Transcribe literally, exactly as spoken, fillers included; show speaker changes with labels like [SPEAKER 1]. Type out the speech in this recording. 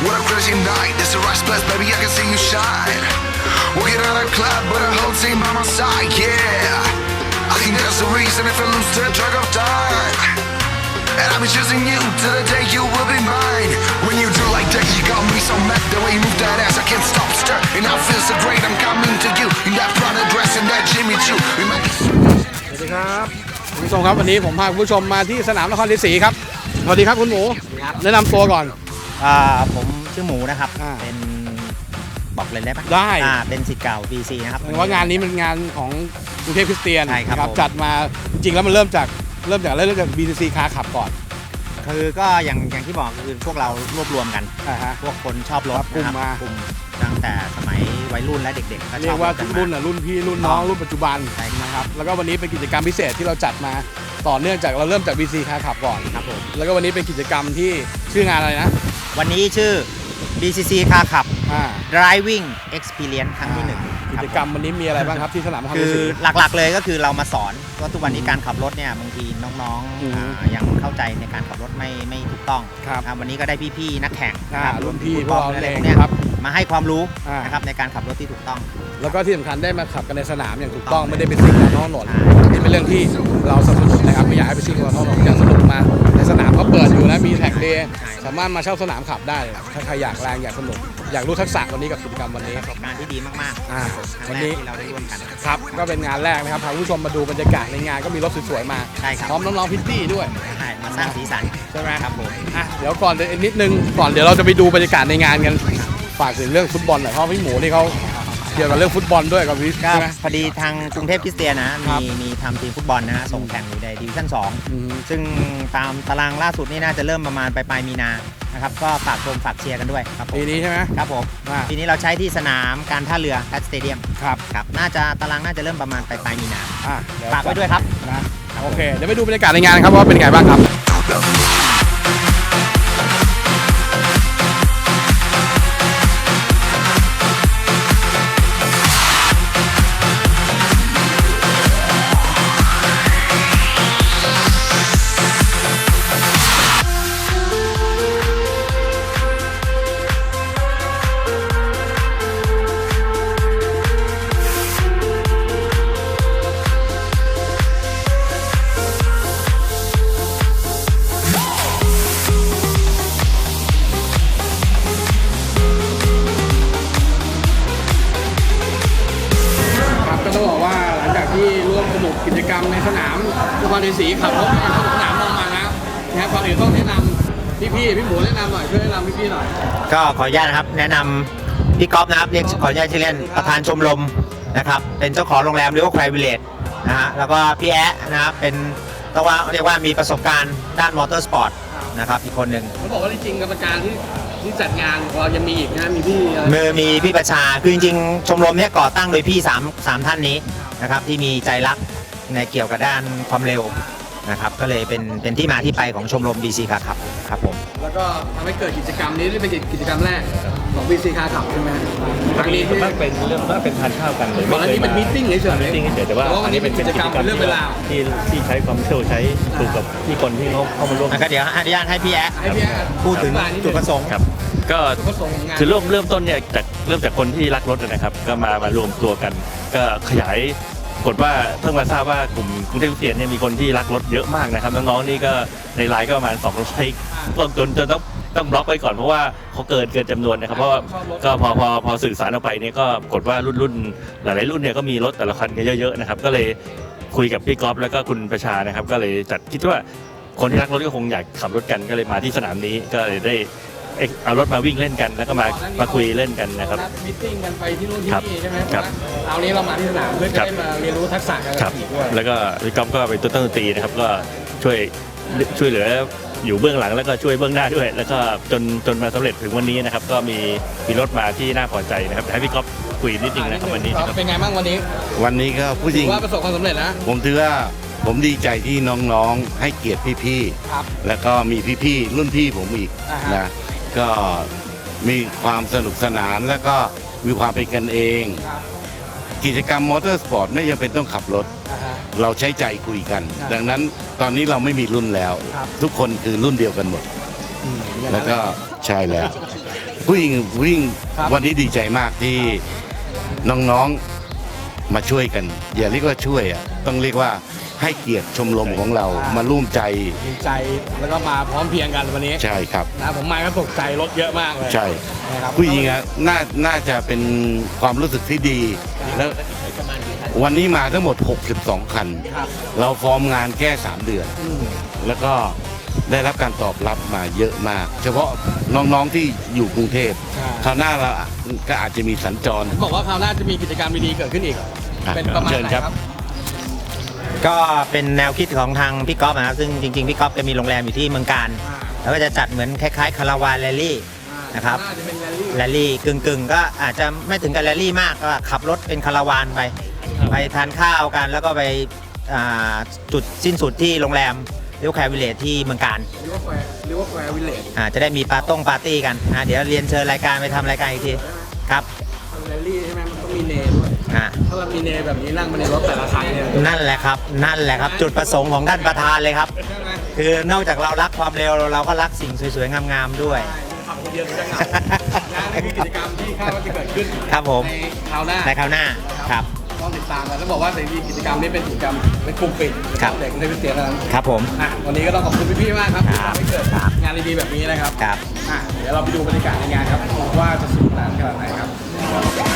[SPEAKER 1] What a crazy night, it's a rush blast, baby, I can see you shine. Walking out of the club, but a whole team by my side, yeah. I think there's a reason if I lose the track of time. And I'll be choosing you till the day you will be mine. When you do like that, you got me so mad. The way you move that ass, I can't stop stir. And I feel so great, I'm coming to you. In that Prada dress and that Jimmy Choo.
[SPEAKER 2] สวัสดีครับคุณผู้ชมครับวันนี้ผมพาคุณผู้ชมมาที่สนามนครชัยศรีครับสวัสดีครับคุณหมูแนะนำตัวก่อน
[SPEAKER 3] อ่าผมชื่อหมูนะครับ
[SPEAKER 2] อ่า
[SPEAKER 3] เป็นบอกเลยได้ปะ
[SPEAKER 2] ได้
[SPEAKER 3] อ่าเป็นศิษย์เก่า บี ซี นะครับ
[SPEAKER 2] เห็นว่างานนี้เป็นงานของกรุงเทพคริสเตียน
[SPEAKER 3] ใช่ครับ
[SPEAKER 2] นะ
[SPEAKER 3] ผม
[SPEAKER 2] จัดมาจริงๆแล้วมันเริ่มจากเริ่มจากเริ่มจาก บี ซี คาร์ขับก่อน
[SPEAKER 3] คือก็อย่างอย่างที่บอกคือพวกเรารวบรวมกัน
[SPEAKER 2] อ่าฮะ
[SPEAKER 3] พวกคนชอบรถ
[SPEAKER 2] ครับกลุ่ม
[SPEAKER 3] นะครับ
[SPEAKER 2] มา
[SPEAKER 3] กลุ่มตั้งแต่สมัยวัยรุ่นและเด็กๆก็ช
[SPEAKER 2] เรีย
[SPEAKER 3] อบ
[SPEAKER 2] กว่า
[SPEAKER 3] ถกั
[SPEAKER 2] ทุ
[SPEAKER 3] น
[SPEAKER 2] ก
[SPEAKER 3] มา
[SPEAKER 2] รุ่นอ่ะรุ่นพี่รุ่นน้องรุ่นปัจจุบัน
[SPEAKER 3] ใช่ครับ
[SPEAKER 2] นะครับแล้วก็วันนี้เป็นกิจกรรมพิเศษที่เราจัดมาต่อเนื่องจากเราเริ่มจาก บี ซี คาร์ขับก่อน
[SPEAKER 3] ครับผม
[SPEAKER 2] แล้วก็วันนี้เป็นกิจกรรมที่ชื่องานอะไรนะ
[SPEAKER 3] วันนี้ชื่อ บี ซี ซี Car Club
[SPEAKER 2] อ่า
[SPEAKER 3] Driving Experience ครั้งที่หนึ่ง
[SPEAKER 2] กิจกรรมวันนี้มีอะไรบ้างครับที่สนามนคร
[SPEAKER 3] คื
[SPEAKER 2] ชัย
[SPEAKER 3] อ
[SPEAKER 2] ศรี
[SPEAKER 3] หลักๆเลยก็คือเรามาสอนว่าทุกวันนี้การขับรถเนี่ยบางทีน้อง
[SPEAKER 2] อื
[SPEAKER 3] ๆ
[SPEAKER 2] อฮึ
[SPEAKER 3] อ่ายังเข้าใจในการขับรถไม่ไม่ถูกต้อง
[SPEAKER 2] ครับ
[SPEAKER 3] อ่าวันนี้ก็ได้พี่ๆนักแข่งนะครับ
[SPEAKER 2] อ่ารุ่นพี่
[SPEAKER 3] ฟุตบอล
[SPEAKER 2] พวกเรา
[SPEAKER 3] อะไร
[SPEAKER 2] เอง
[SPEAKER 3] พวกเนี้ย
[SPEAKER 2] ครับ
[SPEAKER 3] มาให้ความรู้
[SPEAKER 2] อ่าน
[SPEAKER 3] นะครับในการขับรถที่ถูกต้อง
[SPEAKER 2] แล้วก็ที่สำคัญได้มาขับกันในสนามอย่างถูกต้องไม่ได้ไปซิ่งบนท้องถนน
[SPEAKER 3] ใช่
[SPEAKER 2] นี่เป็นเรื่องที่เราสนับสนุนนะครับไม่อยากให้ไปซิ่งบนท้องถนนอยากสนุกมาในสนามเขาเปิดอยู่นะมีแท็กเดย์สามารถมาเช่าสนามขับได้ถ้าใครอยากแรงอยากสนุกอยากรู้ทักษะวันนี้กับกิจกรรมวันนี้
[SPEAKER 3] ประสบการณ์ที่ดีมาก
[SPEAKER 2] อ่า
[SPEAKER 3] ๆค
[SPEAKER 2] วั
[SPEAKER 3] รั้
[SPEAKER 2] น
[SPEAKER 3] งแร
[SPEAKER 2] นี้
[SPEAKER 3] กที่เราได้ร่วมกัน
[SPEAKER 2] ครับก็เป็นงานแรกนะครับพาคุณผู้ชมมาดูบรรยากาศในงานก็มีรถสวยๆมา
[SPEAKER 3] ใช่ครับ
[SPEAKER 2] พร้อมน้องๆพิตตี้ด้วย
[SPEAKER 3] ใช่มาสร้างสีสัน
[SPEAKER 2] ใช่ไหม
[SPEAKER 3] ครับผม
[SPEAKER 2] อ่ะเดี๋ยวก่อนเดี๋ยวนิดนึงก่อนเดี๋ยวเราจะไปดูบรรยากาศในงานกันฝากถึงเรื่องฟุตบอลหน่อยเพราะพี่หมูนี่เขาเกี่ยวกับเรื่องฟุตบอลด้วยกับวิส
[SPEAKER 3] ก็
[SPEAKER 2] ใช่ไหม
[SPEAKER 3] พอดีทางกรุงเทพคริสเตียนนะ
[SPEAKER 2] ครั
[SPEAKER 3] มี
[SPEAKER 2] บ
[SPEAKER 3] มีทำทีมฟุตบอลนะฮะส่งแข่งอยู่ในดิวิชั่นสอง
[SPEAKER 2] อืม
[SPEAKER 3] ซึ่งตามตารางล่าสุดนี่น่าจะเริ่มประมาณปลายปลายมีนานะครับก็ฝากชมฝากเชียร์กันด้วยครับผม
[SPEAKER 2] ปีนี้ใช่ไหม
[SPEAKER 3] ครับผม
[SPEAKER 2] อ่า
[SPEAKER 3] ปีนี้เราใช้ที่สนามการท่าเรือแพทสเตเดียม
[SPEAKER 2] ครับ
[SPEAKER 3] ครับน่าจะตารางน่าจะเริ่มประมาณปลายปลายมีนา
[SPEAKER 2] อ่ะเดี๋ยว
[SPEAKER 3] ฝากไว้ด้วยครับ
[SPEAKER 2] นะโอเคเดี๋ยวไปดูบรรยากาศในงานครับว่าเป็นไงบ้างครับครับก็ต้องบอกว่าหลังจากที่ร่วมสนุกกิจกรรมในสนามนครชัยศรีขับรถในสนามมองมาแล้วนะครับก่อนอื่นต้องแนะนำพี่พี่พี่หมูแนะนำหน่อยช่วยแนะนำพี่พี่หน่อย
[SPEAKER 3] ก็ขออนุญาตนะครับแนะนำพี่ก๊อฟนะครับเรียกขออนุญาตชื่อเล่นประธานชมรมนะครับเป็นเจ้าของโรงแรมเรียกว่าไครวิลเลจนะฮะแล้วก็พี่แอ๊ะนะครับเป็นต้องว่าเรียกว่ามีประสบการณ์ด้านมอเตอร์สปอร์ตนะครับอีกคนหนึ่ง
[SPEAKER 2] เขาบอกว่าจริงๆกรรมการที่ที่จัดงานเรายังมีอีกนะมีพี่อะไร
[SPEAKER 3] มือมีพี่ประชาคือจริงๆชมรมเนี้ยก่อตั้งโดยพี่สามสามท่านนี้นะครับที่มีใจรักในเกี่ยวกับด้านความเร็วนะครับก็เลยเป็นเป็นที่มาที่ไปของชมรม บี ซี ครับครับผม
[SPEAKER 2] แล้วก็ทำให้เกิดกิจกรรมนี้ที่เป็นกิจกรรมแรกของ บี ซี Car Club ใช่ไหมครั้งนี้ที่
[SPEAKER 4] มากเป็นเรื่องมากเป็นทานข้าวกันเลย
[SPEAKER 2] ก่อนหน้านี้เป็นมีตติ้งเฉยๆ
[SPEAKER 4] มีตติ้งเฉยๆแต่ว่า
[SPEAKER 2] วันนี้เป็นกิจกรรมเป็นเรื่องเป็นราว
[SPEAKER 4] ที่ที่ใช้ความเชี่ยวใช้ถูกกับที่คนที่เขาเข้ามาร่วม
[SPEAKER 3] แล้วก็เดี๋ยวอนุญาตให้พี่แอ๊ะ
[SPEAKER 2] ให้พี่แอ๊ะ
[SPEAKER 3] พูดถึง
[SPEAKER 2] อธิบายนิดนึง
[SPEAKER 3] จุดประสงค์
[SPEAKER 4] ครับก็
[SPEAKER 2] จุดประสงค์ของงาน
[SPEAKER 4] คือเริ่มเริ่มต้นเนี่ยจากเริ่มจากคนที่รักรถนะครับก็มามารวมตัวกัน ก็ขยายกฏว่าเพิ่งมาทราบว่ากลุ่มกรุงเทพคริสเตียนเนี่ยมีคนที่รักรถเยอะมากนะครับน้องๆนี่ก็ในไลน์ก็ประมาณสองร้อยต้นจนจนต้องต้องบล็อกไปก่อนเพราะว่าเขาเกินเกินจำนวนนะครับเพราะว่าก็พอพอพอสื่อสารออกไปเนี่ยก็ปรากฏว่ารุ่นรุ่นหลายๆรุ่นเนี่ยก็มีรถแต่ละคันกันเยอะๆนะครับก็เลยคุยกับพี่ก๊อฟแล้วก็คุณประชานะครับก็เลยจัดคิดว่าคนที่รักรถก็คงอยากขับรถกันก็เลยมาที่สนามนี้ก็เลยได้เอารถมาวิ่งเล่นกันแล้วก็มามาคุยเล่นกันนะครับ
[SPEAKER 2] มีตติ้งกันไปที่นู่นที่
[SPEAKER 4] ครับ
[SPEAKER 2] นี่ใช่ไหม
[SPEAKER 4] ครับ
[SPEAKER 2] เอานี้เรามาที่สนามเพื่อจะ
[SPEAKER 4] ครับ
[SPEAKER 2] ได้มาเรียนรู้ทักษะการ
[SPEAKER 4] ครั
[SPEAKER 2] ขั
[SPEAKER 4] บบ
[SPEAKER 2] ขี่ด้วย
[SPEAKER 4] แล้วก็พี่ก๊อฟก็เป็นตัวตั้งดนตรีนะครับก็ช่วยช่วยเหลืออยู่เบื้องหลังแล้วก็ช่วยเบื้องหน้าด้วย แล้วก็จนจนมาสำเร็จถึงวันนี้นะครับก็มีมีรถมาที่น่าพอใจนะครับให้พี่ก๊อฟคุยนิดนึงนะครับวันนี้นะครับ
[SPEAKER 2] เป็นไงบ้างวันนี้
[SPEAKER 5] วันนี้ก็ผู้หญิ
[SPEAKER 2] ถื
[SPEAKER 5] ง
[SPEAKER 2] อว่าประสบความสำเร็จนะ
[SPEAKER 5] ผมถือว่าผมดีใจที่น้องๆให้เกียรติพี่
[SPEAKER 2] ครับ
[SPEAKER 5] ๆแล้วก็มีพี่ๆรุ่นพี่ผมอีก
[SPEAKER 2] อ่าฮะ
[SPEAKER 5] นะก็มีความสนุกสนานแล้วก็มีความเป็นกันเอง
[SPEAKER 2] ครับ
[SPEAKER 5] กิจกรรมมอเตอร์สปอร์ตไม่จำเป็นต้องขับรถ
[SPEAKER 2] อ่าฮะ
[SPEAKER 5] เราใช้ใจคุยกัน
[SPEAKER 2] ครับ
[SPEAKER 5] ดังนั้นตอนนี้เราไม่มีรุ่นแล้ว
[SPEAKER 2] ครับ
[SPEAKER 5] ทุกคนคือรุ่นเดียวกันหมด
[SPEAKER 2] อืมอย่างนั้น
[SPEAKER 5] แล้วก็ใช่แล้วผู้หญิงผู้หญิง
[SPEAKER 2] ครับ
[SPEAKER 5] วันนี้ดีใจมากที่น้องๆมาช่วยกัน อย่าเรียกว่าช่วยอ่ะต้องเรียกว่าให้เกียรติชมรมของเรามาร่วมใจ
[SPEAKER 2] ดีใจแล้วก็มาพร้อมเพรียงกันวันนี้
[SPEAKER 5] ใช่ครับ
[SPEAKER 2] นะผมมาก็ตกใจรถเยอะมากเลย
[SPEAKER 5] ใช่
[SPEAKER 2] นะครับ
[SPEAKER 5] ผู้หญิงอ่ะน่าน่าจะเป็นความรู้สึกที่ดี แล้ววันนี้มาทั้งหมดหกสิบสองคัน
[SPEAKER 2] ครับ
[SPEAKER 5] เราฟอร์มงานแค่สามเดือน
[SPEAKER 2] อืม
[SPEAKER 5] แล้วก็ได้รับการตอบรับมาเยอะมาก เฉพาะน้องๆที่อยู่กรุงเทพคราวหน้าเราก็อาจจะมีสัญจร
[SPEAKER 2] บอกว่าคราวหน้าจะมีกิจกรรมดีๆเกิดขึ้นอีก
[SPEAKER 5] อ่ะ
[SPEAKER 2] เป็นประมาณ
[SPEAKER 5] เชิญ
[SPEAKER 2] ไหน
[SPEAKER 5] ครับ
[SPEAKER 2] ครับ
[SPEAKER 3] ก็เป็นแนวคิดของทางพี่ก๊อฟนะครับซึ่งจริงๆพี่ก๊อฟจะมีโรงแรมอยู่ที่เมืองการ
[SPEAKER 2] อ่า
[SPEAKER 3] แล้วก็จะจัดเหมือนคล้ายๆคาราวานแรลลี่ นะครับ
[SPEAKER 2] น่าจะเป็นแรลลี่
[SPEAKER 3] แรลลี่กึ่งๆ ก็อาจจะไม่ถึงกับแรลลี่มากก็ขับรถเป็นคาราวานไป ไปทานข้าวกันแล้วก็ไปอ่าจุดสิ้นสุดที่โรงแรมเรียกแคร์วิลเลจที่เมืองการ
[SPEAKER 2] หรือว่าแควร์หรือว่าแควร์วิลเลจ
[SPEAKER 3] อ่าจะได้มีปาร์ต้งปาร์ตี้กันนะเดี๋ยวเรียนเชิญรายการไปทำรายการอีกทีครับ
[SPEAKER 2] แรลลี่ใช่ไหมมันต้องมีเนด้วย
[SPEAKER 3] อ่า
[SPEAKER 2] ถ้าเรามีเนแบบนี้นั่งมาในรถแต่ละคันเนี่ย
[SPEAKER 3] นั่นแหละครับนั่นแหละครับ จุดประสงค์ของท่านประธานเลยครับ
[SPEAKER 2] ใช่ไหม
[SPEAKER 3] คือนอกจากเรารักความเร็วเราก็รักสิ่งสวยๆงามๆด้วย
[SPEAKER 2] ขับคนเดียวถึงจะเหงานะนี่คือกิจกรรมที่คาดว่าจะเกิดขึ้น
[SPEAKER 3] ครับผม
[SPEAKER 2] ในคราวหน้า
[SPEAKER 3] ในคราวหน้าครับ
[SPEAKER 2] ต้องติดตามกันแล้วบอกว่าแต่จริงๆกิจกรรมนี้เป็นกิจกรรมเป็นกลุ่มปิด
[SPEAKER 3] ครับ
[SPEAKER 2] เด็กในวิทยาลัย
[SPEAKER 3] ครับผม
[SPEAKER 2] อ่ะวันนี้ก็ต้องขอบคุณพี่ๆมากครับที่
[SPEAKER 3] ครับ
[SPEAKER 2] ทำให้เกิด
[SPEAKER 3] ครับ
[SPEAKER 2] งานดีๆแบบนี้นะครับ
[SPEAKER 3] ครับ
[SPEAKER 2] อ่ะเดี๋ยวเราไปดูบรรยากาศในงานครับว่าจะสนุกสนานขนาดไหนครับ